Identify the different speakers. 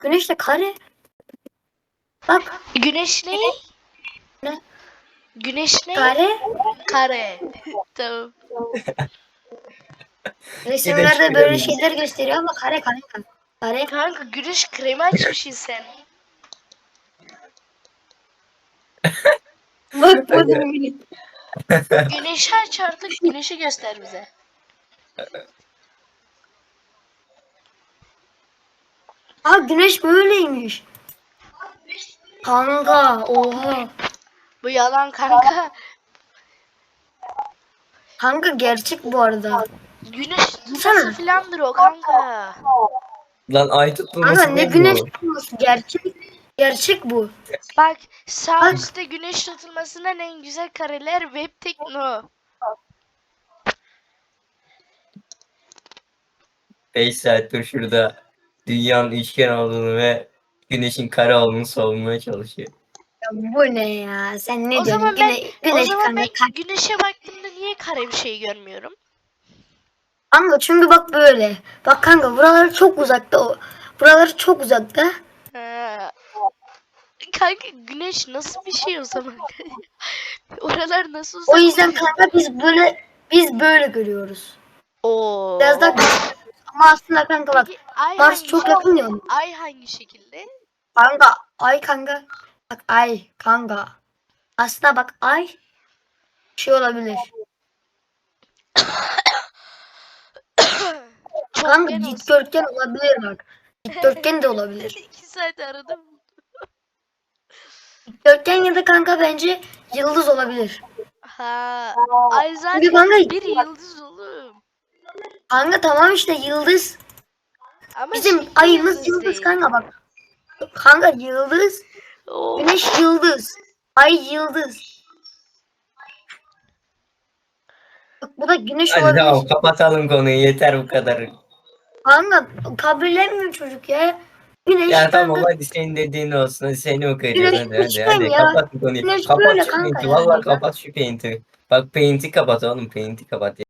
Speaker 1: Güneş de kare. Bak
Speaker 2: Güneş ne?
Speaker 1: ne?
Speaker 2: Güneş ne?
Speaker 1: Kare.
Speaker 2: Kare. Tamam.
Speaker 1: Resimlerde böyle
Speaker 3: görüyorum.
Speaker 1: şeyler gösteriyor ama kare kanka. Kare.
Speaker 2: Kanka güneş kremi açmışsın sen.
Speaker 1: Bak bu
Speaker 3: Kanka,
Speaker 1: da
Speaker 2: Güneşi aç artık. Güneşi göster bize.
Speaker 1: Aa güneş böyleymiş. Kanka oha.
Speaker 2: Bu yalan kanka.
Speaker 1: Kanka gerçek bu arada.
Speaker 2: Güneş
Speaker 1: Baksana.
Speaker 2: tutması filandır o kanka.
Speaker 3: lan ay
Speaker 1: Kanka
Speaker 3: tutulması
Speaker 1: ne
Speaker 3: ne
Speaker 1: güneş
Speaker 3: bu?
Speaker 1: tutulması gerçek. Gerçek bu.
Speaker 2: Bak sağ
Speaker 1: Bak.
Speaker 2: üstte güneş tutulmasından en güzel kareler web tekno.
Speaker 3: 5 saattir şurada dünyanın üçgen olduğunu ve güneşin kare olduğunu savunmaya çalışıyor.
Speaker 1: Ya bu ne ya? Sen ne
Speaker 2: O
Speaker 1: diyorsun?
Speaker 2: zaman ben
Speaker 1: Güneş kanka.
Speaker 2: güneşe baktığımda niye kare bir şey görmüyorum?
Speaker 1: Kanka çünkü bak böyle. Bak kanka buralar çok uzakta. Buralar çok uzakta.
Speaker 2: Ha. Kanka güneş nasıl bir şey o zaman? Oralar nasıl uzak?
Speaker 1: O yüzden kanka biz böyle görüyoruz.
Speaker 2: Oo.
Speaker 1: Biraz daha küçük. Ama aslında kanka bak
Speaker 2: Peki ay
Speaker 1: Mars
Speaker 2: hangi
Speaker 1: çok
Speaker 2: şekilde?
Speaker 1: yakın ya.
Speaker 2: Ay hangi şekilde?
Speaker 1: Kanka ay kanka. Bak ay kanka. Aslında bak ay şey olabilir. Kanka
Speaker 2: Çokgen olsun.
Speaker 1: dikdörtgen olabilir bak. Dikdörtgen de olabilir.
Speaker 2: 2 saat aradım.
Speaker 1: Dikdörtgen ya da kanka bence yıldız olabilir.
Speaker 2: Ha, ay
Speaker 1: Çünkü
Speaker 2: zaten
Speaker 1: kanka,
Speaker 2: bir yıldız oğlum.
Speaker 1: kanka tamam işte yıldız.
Speaker 2: Ama
Speaker 1: Bizim
Speaker 2: şekli
Speaker 1: ayımız yıldız
Speaker 2: değil.
Speaker 1: kanka bak. Kanka yıldız.
Speaker 2: Oo.
Speaker 1: Güneş yıldız. Ay yıldız. Bak bu da güneş
Speaker 3: Hadi
Speaker 1: olabilir.
Speaker 3: tamam, kapatalım konuyu, yeter bu kadar.
Speaker 1: Kanka kabullenmiyor çocuk ya. Güneş
Speaker 3: Ya
Speaker 1: kanka.
Speaker 3: tamam, hadi senin dediğin olsun, hadi seni okuyacağız,
Speaker 1: Güneş
Speaker 3: hadi
Speaker 1: üçgen ya.
Speaker 3: kapat bu konuyu.
Speaker 1: Güneş
Speaker 3: Kapat
Speaker 1: böyle
Speaker 3: şu
Speaker 1: kanka
Speaker 3: paint'i,
Speaker 1: yani
Speaker 3: vallahi
Speaker 1: ya.
Speaker 3: kapat şu paint'i. Bak paint'i kapat oğlum, paint'i kapat.